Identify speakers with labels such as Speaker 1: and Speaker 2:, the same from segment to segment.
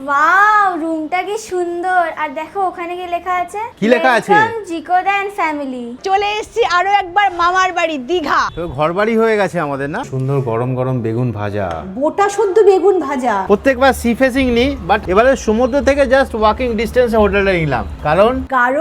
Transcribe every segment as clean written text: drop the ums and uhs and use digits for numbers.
Speaker 1: Wow, রুমটা কি সুন্দর। আর দেখো ওখানে কি লেখা আছে,
Speaker 2: কি লেখা আছে?
Speaker 1: জিকোদা এন্ড ফ্যামিলি।
Speaker 3: চলে এসেছি আরো একবার মামার বাড়ি দীঘা।
Speaker 2: তো ঘরবাড়ি হয়ে গেছে আমাদের না। সুন্দর গরম গরম বেগুন ভাজা,
Speaker 3: গোটা শুদ্ধ বেগুন ভাজা।
Speaker 2: প্রত্যেকবার সি ফেসিং নি, বাট এবারে সমুদ্র থেকে জাস্ট ওয়াকিং ডিস্টেন্সে হোটেলটা নিলাম। কারণ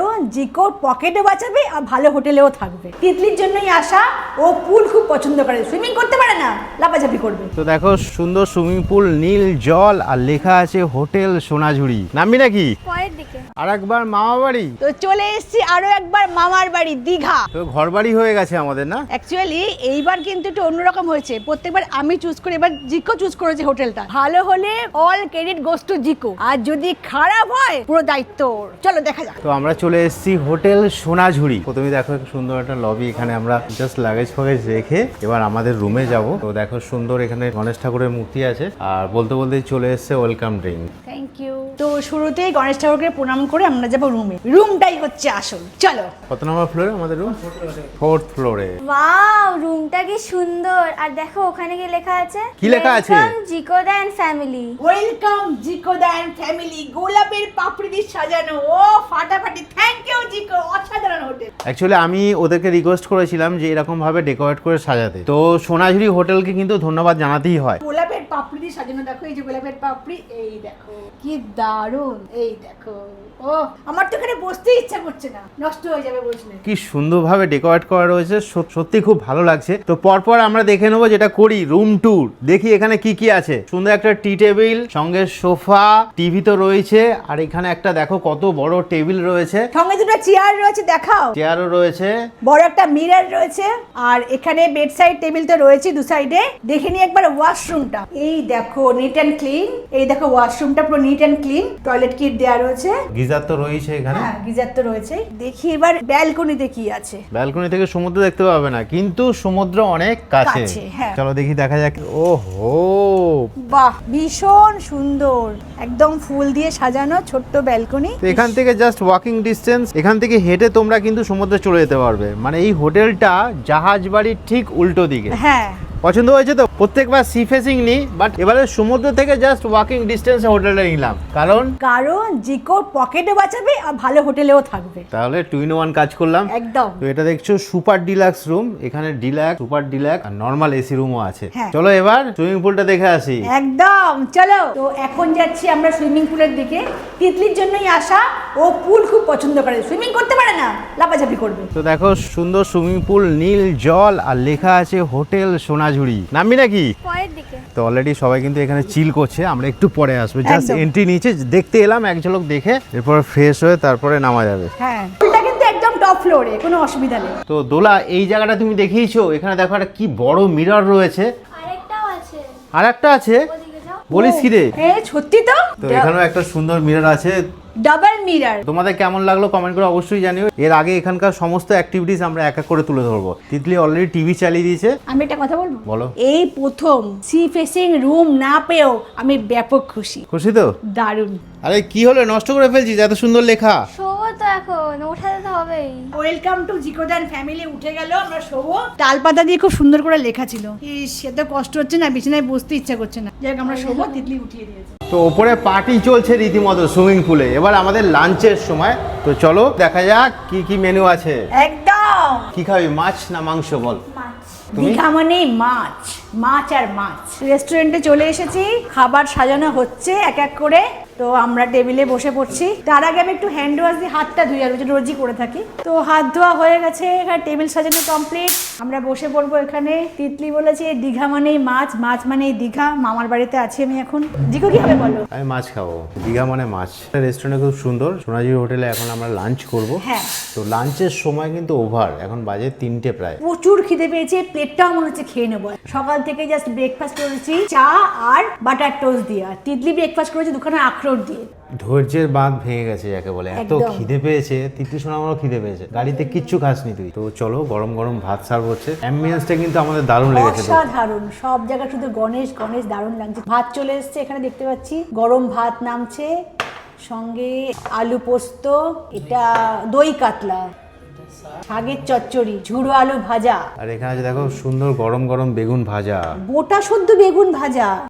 Speaker 3: জিকোর পকেটে বাঁচাবে আর ভালো হোটেলেও থাকবে। তিতলির জন্যই আসা। ও পুল খুব পছন্দ করে, সুইমিং করতে পারে না, লাফাঝাপি করবে।
Speaker 2: তো দেখো সুন্দর সুইমিং পুল, নীল জল, আর লেখা আছে হোটেল সোনাঝুরি। নামবি নাকি?
Speaker 1: পরের দিকে।
Speaker 2: আর একবার মামা বাড়ি।
Speaker 3: তো চলে এসেছি আরো একবার মামার বাড়ি দীঘা।
Speaker 2: তো ঘরবাড়ি হয়ে গেছে আমাদের না।
Speaker 3: অ্যাকচুয়ালি এইবার কিন্তু একটু অন্যরকম হয়েছে। প্রত্যেকবার আমি চুজ করি, এবার জিকো চুজ করেছে হোটেলটা। ভালো হলে all credit goes to Jiko, আর যদি খারাপ হয় পুরো দায়িত্ব ওর। চলো দেখা যাক।
Speaker 2: তো আমরা চলে এসেছি হোটেল সোনাঝুরি। প্রথমে দেখো সুন্দর একটা লবি, এখানে আমরা জাস্ট লাগেজ ফাগেজ রেখে এবার আমাদের রুমে যাব। তো দেখো সুন্দর এখানে গণেশ ঠাকুরের মূর্তি আছে, আর বলতে বলতেই চলে এসেছে ওয়েলকাম ড্রিঙ্ক।
Speaker 3: Thank you. তো শুরুতেই গণেশ ঠাকুরকে প্রণাম করে আমরা যাবো রুমে। রুমটাই হচ্ছে আসল। চলো।
Speaker 2: কত নম্বর ফ্লোরে আমাদের রুম? 4th ফ্লোরে।
Speaker 1: ওয়াও, রুমটা কি সুন্দর। আর দেখো ওখানে কি লেখা আছে,
Speaker 2: কি লেখা আছে?
Speaker 1: জিকোদা এন্ড ফ্যামিলি।
Speaker 3: ওয়েলকাম জিকোদা এন্ড ফ্যামিলি। গোলাপের পাপড়ি দিয়ে সাজানো। ও ফাটাফাটি। থ্যাংক ইউ জিকো, অসাধারণ হোটেল।
Speaker 2: অ্যাকচুয়ালি আমি ওদেরকে রিকোয়েস্ট করেছিলাম যে এরকম ভাবে ডেকোরেট করে সাজাতে। তো সোনাঝুরি হোটেলকে কিন্তু ধন্যবাদ জানাতেই হয়।
Speaker 3: গোলাপের পাপড়ি দিয়ে সাজানো। দেখো এই যে গোলাপের পাপড়ি, এই দেখো কি দারুণ। এই দেখো, ও আমার তো এখানে বসতে ইচ্ছা করছে না, নষ্ট হয়ে যাবে বসলে।
Speaker 2: কি সুন্দরভাবে ডেকোরেট করা রয়েছে, সত্যি খুব ভালো লাগছে। তো পরপর আমরা দেখে নেবো, যেটা করি রুম ট্যুর, দেখি এখানে কি কি আছে। সুন্দর একটা টি টেবিল, সঙ্গে সোফা, টিভি তো রয়েছে, আর এখানে একটা দেখো কত বড় টেবিল রয়েছে,
Speaker 3: সঙ্গে দুটো চেয়ার রয়েছে, দেখাও।
Speaker 2: চেয়ারও রয়েছে,
Speaker 3: বড় একটা মিরর রয়েছে, আর এখানে বেড সাইড টেবিল তো রয়েছে দু সাইডে। দেখে নি একবার ওয়াশরুমটা। এই দেখো নিট অ্যান্ড ক্লিন। এই দেখো ওয়াশরুমটা পুরো neat and clean. Toilet kit দেওয়া রয়েছে।
Speaker 2: গিজার তো রয়েছে এখানে।
Speaker 3: হ্যাঁ, গিজার তো রয়েছে। দেখি এবার ব্যালকনিতে কি আছে।
Speaker 2: ব্যালকনি থেকে সমুদ্র দেখতে পাবে না, কিন্তু সমুদ্র অনেক কাছে।
Speaker 3: কাছে, হ্যাঁ।
Speaker 2: চলো দেখি, দেখা যাক। ওহো,
Speaker 3: বাহ, ভীষণ সুন্দর। একদম ফুল দিয়ে সাজানো ছোট্ট ব্যালকনি।
Speaker 2: তো এখান থেকে জাস্ট ওয়াকিং ডিস্টেন্স, এখান থেকে হেঁটে তোমরা কিন্তু সমুদ্রে চলে যেতে পারবে। মানে এই হোটেলটা জাহাজ বাড়ির ঠিক উল্টো দিকে।
Speaker 3: হ্যাঁ,
Speaker 2: পছন্দ হয়েছে তো? প্রত্যেকবার সি ফেসিং নি, বাট এবারে সমুদ্র থেকে জাস্ট ওয়াকিং ডিস্টেন্সে হোটেলটা নিলাম। কারণ
Speaker 3: জিকোর পকেটে বাঁচাবে আর ভালো হোটেলেও থাকবে।
Speaker 2: তাহলে 2-in-1 কাজ করলাম
Speaker 3: একদম।
Speaker 2: তো এটা দেখছো সুপার ডিলাক্স রুম। এখানে ডিলাক্স, সুপার ডিলাক্স আর নর্মাল এসি রুমও আছে।
Speaker 3: হ্যাঁ।
Speaker 2: চলো এবার সুইমিং পুলটা দেখে আসি।
Speaker 3: একদম, চলো। তো এখন যাচ্ছি আমরা সুইমিং পুলের দিকে। তিতলির জন্যই আসা। ও পুল খুব পছন্দ করে, সুইমিং করতে পারে না, লাফাঝাপি করবে।
Speaker 2: তো দেখো সুন্দর সুইমিং পুল, নীল জল, আর লেখা আছে হোটেল সোনাঝুরি। নামবি নাকি?
Speaker 1: পরের দিকে।
Speaker 2: তো অলরেডি সবাই কিন্তু এখানে চিল করছে, আমরা একটু পরে আসবো। জাস্ট
Speaker 3: একদম।
Speaker 2: এন্ট্রি নিচে দেখতে এলাম, এক ঝলক দেখে এরপর ফ্রেশ হয়ে তারপরে নামা যাবে।
Speaker 3: হ্যাঁ, পুলটা কিন্তু একদম টপ ফ্লোরে, কোনো অসুবিধা নেই।
Speaker 2: তো দোলা, এই জায়গাটা তুমি দেখিয়েছো, এখানে দেখো একটা কি বড় মিরর রয়েছে।
Speaker 1: আরেকটাও আছে,
Speaker 2: আর একটা আছে,
Speaker 1: ওদিকে যাও।
Speaker 2: বলিস কি রে?
Speaker 3: সত্যি তো।
Speaker 2: তো এখানেও একটা সুন্দর মিরর আছে।
Speaker 3: Double mirror.
Speaker 2: তোমাদের কেমন লাগলো কমেন্ট করে অবশ্যই জানিও। এর আগে এখানকার সমস্ত অ্যাক্টিভিটিস আমরা এক এক করে তুলে ধরবো। তিতলি অলরেডি টিভি চালিয়ে দিয়েছে।
Speaker 3: আমি একটা কথা বলবো?
Speaker 2: বলো।
Speaker 3: এই প্রথম সি ফেসিং রুম না পেয়েও আমি ব্যাপক খুশি।
Speaker 2: খুশি তো?
Speaker 3: দারুণ।
Speaker 2: আরে কি হলো, নষ্ট করে ফেলছিস? এত সুন্দর লেখা।
Speaker 1: শোবো তো এখন, ওঠাতে তো হবেই।
Speaker 3: ওয়েলকাম টু জিকোদান ফ্যামিলি। উঠে গেল, আমরা শোবো। তালপাতা দিয়ে খুব সুন্দর করে লেখা ছিল। সে তো কষ্ট হচ্ছে না, বিছানায় বসতে ইচ্ছা করছে না। যাই হোক, আমরা শোবো। তিতলি উঠিয়ে দিয়েছে।
Speaker 2: তো ওপরে পার্টি চলছে রীতিমতো সুইমিং পুলে। এবার আমাদের লাঞ্চের সময়। তো চলো দেখা যাক কি কি মেনু আছে।
Speaker 3: একদম।
Speaker 2: কি খাবি, মাছ না মাংস? বল।
Speaker 1: মাছ।
Speaker 2: তুমি?
Speaker 3: দীঘা মানে মাছ, মাছ আর মাছ। রেস্টুরেন্টে চলে এসেছি, খাবার সাজানো হচ্ছে এক এক করে। তো আমরা টেবিলে বসে পড়ছি। তার আগে আমি একটু হ্যান্ড ওয়াশ দিয়ে হাতটা ধুই, আর রোজই করে থাকি। তো হাত ধোয়া হয়ে গেছে, এখানে টেবিল সাজানো কমপ্লিট। আমরা বসে পড়বো এখানে। তিতলি বলেছে দীঘা মানেই মাছ, মাছ মানেই দীঘা। মামার বাড়িতে আছি আমি এখন। জিকো কি হবে বলো?
Speaker 2: আমি মাছ খাবো। দীঘা মানে মাছ। রেস্টুরেন্টে খুব সুন্দর সোনাঝুরি হোটেলে এখন আমরা লাঞ্চ করব।
Speaker 3: হ্যাঁ।
Speaker 2: তো লাঞ্চের সময় কিন্তু ওভার, এখন বাজে 3টে প্রায়।
Speaker 3: প্রচুর খিদে পেয়েছে, প্লেটটাও মনে হচ্ছে খেয়ে নেবো। সকাল থেকে জাস্ট ব্রেকফাস্ট করেছি চা আর বাটার টোস্ট দিয়ে। আর তিতলি ব্রেকফাস্ট করেছে দুখানা আখরোট দিয়ে।
Speaker 2: ধৈর্যের বাঁধ ভেঙে গেছে যাকে বলে। এত
Speaker 3: একদম।
Speaker 2: খিদে পেয়েছে, তিতলি শোনা আমারও খিদে পেয়েছে। গাড়িতে কিচ্ছু খাসনি তুই। তো চলো, গরম গরম ভাত সার্ভ হচ্ছে। অ্যাম্বিয়েন্সটা কিন্তু আমাদের দারুণ লেগেছে। তো
Speaker 3: অসাধারণ, সব জায়গা শুধু গণেশ গণেশ, দারুণ লাগছে। ভাত চলে এসছে, এখানে দেখতে পাচ্ছি গরম ভাত নামছে, সঙ্গে আলু পোস্ত, এটা দই কাতলা, শাকের চচ্চড়ি, ঝুড়ো আলু ভাজা,
Speaker 2: আর এখানে আছে দেখো সুন্দর গরম গরম বেগুন ভাজা।
Speaker 3: গোটা শুদ্ধ বেগুন ভাজা।